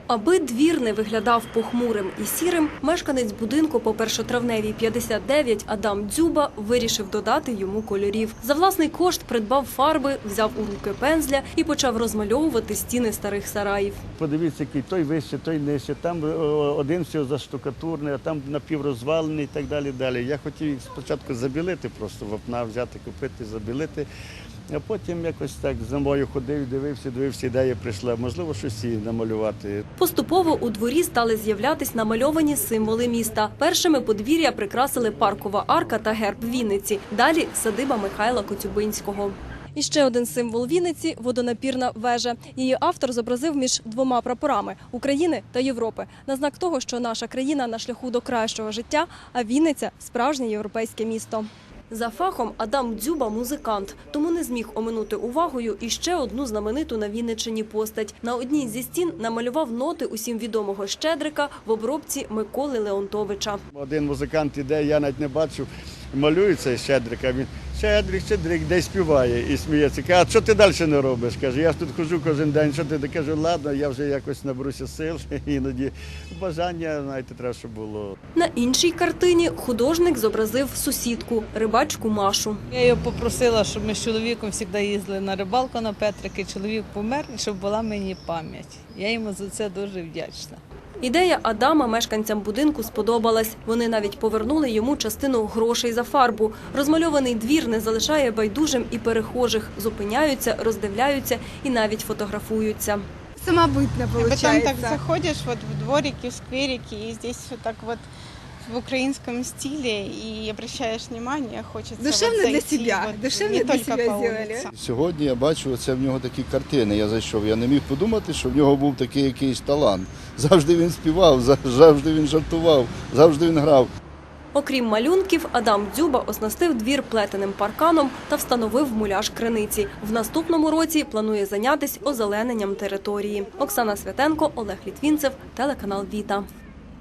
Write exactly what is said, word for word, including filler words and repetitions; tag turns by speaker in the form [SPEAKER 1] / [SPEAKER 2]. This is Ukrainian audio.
[SPEAKER 1] Аби двір не виглядав похмурим і сірим, мешканець будинку по Першотравневій п'ятдесят дев'ять Адам Дзюба вирішив додати йому кольорів. За власний кошт придбав фарби, взяв у руки пензля і почав розмальовувати стіни старих сараїв.
[SPEAKER 2] Подивіться, який той вище, той нижче, там один все заштукатурний, а там напіврозвалений і так далі. далі. Я хотів їх спочатку забілити, просто вапна взяти, купити, забілити. А потім якось так за мною ходив, дивився, дивився, ідея прийшла. Можливо, щось і намалювати.
[SPEAKER 1] Поступово у дворі стали з'являтись намальовані символи міста. Першими подвір'я прикрасили паркова арка та герб Вінниці. Далі садиба Михайла Коцюбинського. І ще один символ Вінниці – водонапірна вежа. Її автор зобразив між двома прапорами – України та Європи. На знак того, що наша країна на шляху до кращого життя, а Вінниця – справжнє європейське місто. За фахом Адам Дзюба – музикант, тому не зміг оминути увагою і ще одну знамениту на Вінниччині постать. На одній зі стін намалював ноти усім відомого Щедрика в обробці Миколи Леонтовича.
[SPEAKER 2] Один музикант іде, я навіть не бачу, малює цей Щедрика, він Щедрик, Щедрик, десь співає і сміється. Каже, а що ти далі не робиш? Каже, я ж тут ходжу кожен день, що ти? Кажу, ладно, я вже якось наберуся сил, іноді бажання, знаєте, треба, щоб було.
[SPEAKER 1] На іншій картині художник зобразив сусідку, рибачку Машу.
[SPEAKER 3] Я його попросила, щоб ми з чоловіком завжди їздили на рибалку на Петрики. Чоловік помер, і щоб була мені пам'ять. Я йому за це дуже вдячна.
[SPEAKER 1] Ідея Адама мешканцям будинку сподобалась. Вони навіть повернули йому частину грошей за фарбу. Розмальований двір не залишає байдужим і перехожих. Зупиняються, роздивляються і навіть фотографуються.
[SPEAKER 4] Самобытно получается.
[SPEAKER 5] А потом так заходишь вот в дворики, в скверики, и здесь вот так вот в украинском стиле, и обращаешь внимание, хочется
[SPEAKER 4] Душевно
[SPEAKER 5] вот
[SPEAKER 4] для
[SPEAKER 5] зайти,
[SPEAKER 4] себя,
[SPEAKER 5] вот,
[SPEAKER 4] душевно
[SPEAKER 5] не
[SPEAKER 4] для
[SPEAKER 5] только
[SPEAKER 4] себя
[SPEAKER 5] по
[SPEAKER 4] сделали.
[SPEAKER 5] улице.
[SPEAKER 6] Сьогодні я бачу, це в нього такі картини. Я зайшов, я не міг подумати, що в нього був такий якийсь талант. Завжди він співав, завжди він жартував, завжди він грав.
[SPEAKER 1] Окрім малюнків, Адам Дзюба оснастив двір плетеним парканом та встановив муляж криниці. В наступному році планує зайнятися озелененням території. Оксана Святенко, Олег Літвінцев, телеканал Віта.